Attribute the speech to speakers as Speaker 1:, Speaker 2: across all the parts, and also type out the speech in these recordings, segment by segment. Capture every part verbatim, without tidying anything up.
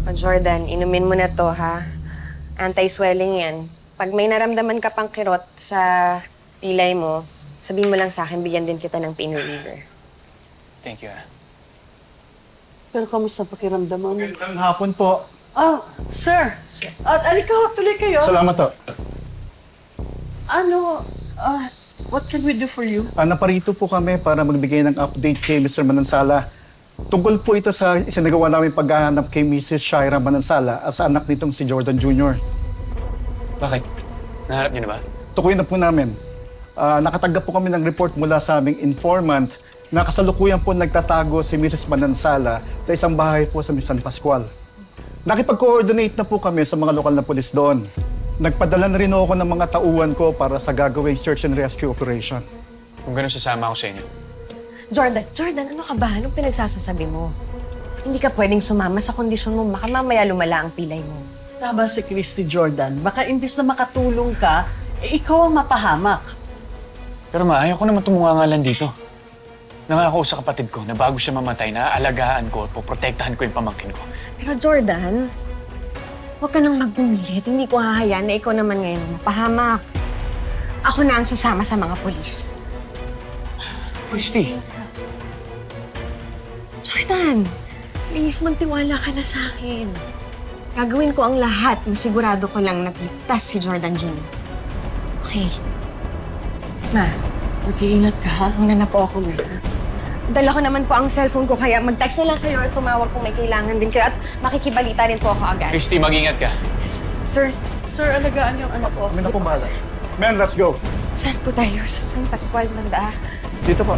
Speaker 1: O Jordan, inumin mo na to, ha? Anti-swelling yan. Pag may naramdaman ka pang kirot sa pilay mo, sabihin mo lang sa akin, bigyan din kita ng pain reliever.
Speaker 2: Thank you, ah.
Speaker 3: Pero kamusta pakiramdam mo?
Speaker 4: Magandang hapon po.
Speaker 3: Ah, sir. At alika, tuloy kayo.
Speaker 4: Salamat po.
Speaker 3: Ano, ah, what can we do for you?
Speaker 4: Ah, naparito po kami para magbigay ng update kay Mister Manansala. Tungkol po ito sa isinagawa namin paghahanap kay Missus Shaira Manansala at sa anak nitong si Jordan Junior
Speaker 2: Bakit? Nahanap niyo na ba?
Speaker 4: Tukuyin na po namin. Ah, nakatanggap po kami ng report mula sa aming informant na kasalukuyan po nagtatago si Missus Manansala sa isang bahay po sa San Pascual. Nakipag-coordinate na po kami sa mga lokal na pulis doon. Nagpadala na rin ako ng mga tauhan ko para sa gagawing search and rescue operation.
Speaker 2: Kung gano'n, sasama ako sa inyo.
Speaker 1: Jordan, Jordan, ano ka ba? Anong pinagsasasabi mo? Hindi ka pwedeng sumama sa kondisyon mo. Baka mamaya lumala ang pilay mo.
Speaker 3: Tama si Christy Jordan. Baka imbis na makatulong ka, eh, ikaw ang mapahamak.
Speaker 2: Pero ma, ayaw ko naman tumungangalan dito. Nangako sa kapatid ko na bago siya mamatay, naaalagaan ko at poprotektahan ko yung pamangkin ko.
Speaker 1: Pero Jordan, huwag ka nang magpumilit. Hindi ko hahayaan na ikaw naman ngayon ang mapahamak. Ako na ang sasama sa mga polis.
Speaker 2: Christy,
Speaker 1: Jordan, please, magtiwala ka na sa akin. Gagawin ko ang lahat. Masigurado ko lang nagligtas si Jordan Junior Okay. Ma,
Speaker 3: Mag-iingat ka, ha?
Speaker 1: muna na po ako, ma. Dala ko naman po ang cellphone ko, kaya mag-text na lang kayo or tumawag kung may kailangan din kayo at makikibalita rin po ako agad.
Speaker 2: Christy, mag-ingat ka.
Speaker 1: Yes. Sir,
Speaker 3: Sir, alagaan yung anak ko.
Speaker 4: Kami na po bahala. Men, let's go.
Speaker 1: saan po tayo? Sa San Pascual, banda.
Speaker 4: Dito po.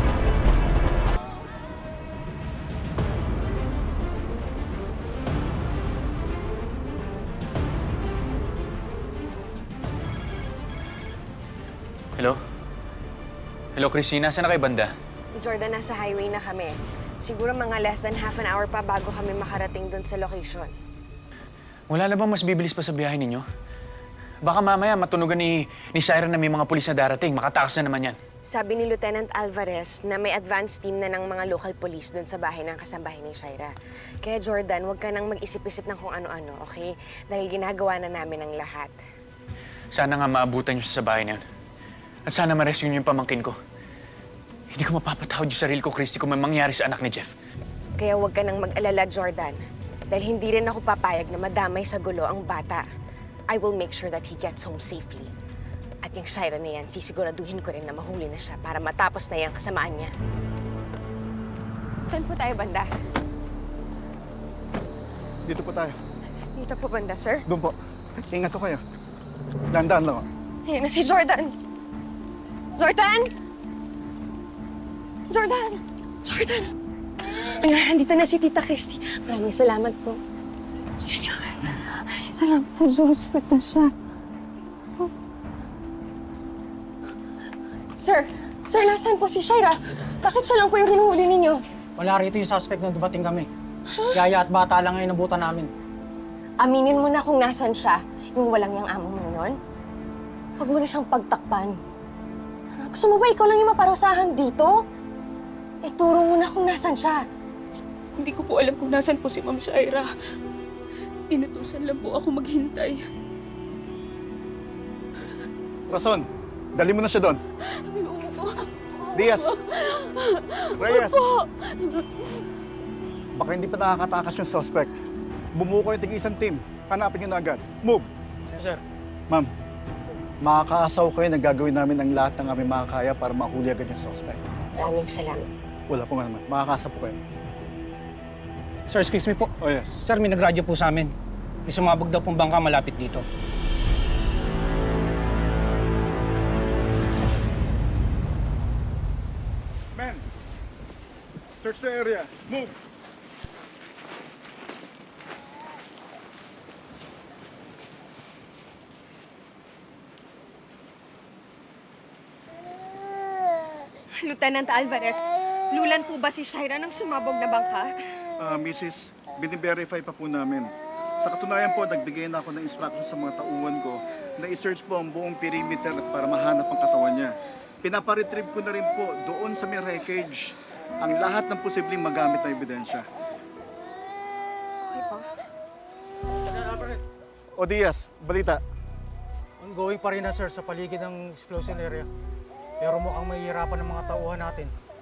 Speaker 2: Hello? Hello, Christy. Nasaan na kayo banda?
Speaker 1: Jordan, nasa highway na kami. Siguro mga less than half an hour pa bago kami makarating dun sa location.
Speaker 2: Wala na bang mas bibilis pa sa biyahe ninyo? Baka mamaya matunugan ni, ni Shaira na may mga pulis na darating. Makatakas na naman yan.
Speaker 1: Sabi ni Lieutenant Alvarez na may advance team na ng mga local police dun sa bahay ng kasambahay ni Shaira. Kaya Jordan, huwag ka nang mag-isip-isip ng kung ano-ano, okay? Dahil ginagawa na namin ang lahat.
Speaker 2: Sana nga maabutan niyo siya sa bahay na yun. At sana ma-rescue niyo yung pamangkin ko. Hindi ko mapapatawad yung sarili ko, Christy, kung may mangyari sa anak ni Jeff.
Speaker 1: Kaya huwag ka nang mag-alala, Jordan. Dahil hindi rin ako papayag na madamay sa gulo ang bata. I will make sure that he gets home safely. At yung Shaira na yan, sisiguraduhin ko rin na mahuli na siya para matapos na yung kasamaan niya. Saan po tayo, banda?
Speaker 4: Dito po tayo.
Speaker 1: Dito po, banda, sir.
Speaker 4: Doon po. Ingat ko kayo. Dahan-dahan lang. oh.
Speaker 1: Ayun na si Jordan! Jordan! Jordan! Jordan! Ayan, nandito na si Tita Christy. Maraming salamat po. Salamat sa Diyos. Sweet siya. Sir! Sir, nasaan po si Shaira? Bakit siya lang po yung hinuhuli ninyo?
Speaker 5: Wala rito yung suspect nung dumating kami. Yaya at bata lang ngayon nabutan namin.
Speaker 1: Aminin mo na kung nasan siya. Yung walang yung amo mo yun. Huwag mo na siyang pagtakpan. Gusto mo ba ikaw lang yung maparusahan dito? Ituro mo na kung nasan siya.
Speaker 6: Hindi ko po alam kung nasan po si Ma'am Shaira. Inutusan lang po ako maghintay.
Speaker 4: Rason, dali mo na siya doon. Diaz. Reyes. Baka hindi pa nakakatakas yung suspect. Bumuo ko yung tig-isang team. Hanapin nyo na agad. Move!
Speaker 5: Yes, sir.
Speaker 4: Ma'am, makakaasaw kayo na gagawin namin ang lahat ng aming makakaya para mahuli agad yung suspect.
Speaker 1: Maraming salamat.
Speaker 4: Wala po nga naman. Makakasa po kayo.
Speaker 5: Sir, excuse me po.
Speaker 4: Oh yes.
Speaker 5: Sir, may nagradyo po sa amin. May sumabog daw pong bangka malapit dito.
Speaker 4: Men! Search the area. Move!
Speaker 1: Lieutenant Alvarez, lulan po ba si Shaira ng sumabog na bangka?
Speaker 4: Ah, Missus, biniverify pa po namin. Sa katunayan po, nagbigay na ako ng instruction sa mga tauhan ko na i-search po ang buong perimeter para mahanap ang katawan niya. Pinaparetrieve ko na rin po doon sa may wreckage ang lahat ng posibleng magamit na ebidensya.
Speaker 1: Okay po.
Speaker 4: O Diaz, balita.
Speaker 5: Ongoing pa rin na sir sa paligid ng explosion area. Pero mukhang mahihirapan ng mga tauhan natin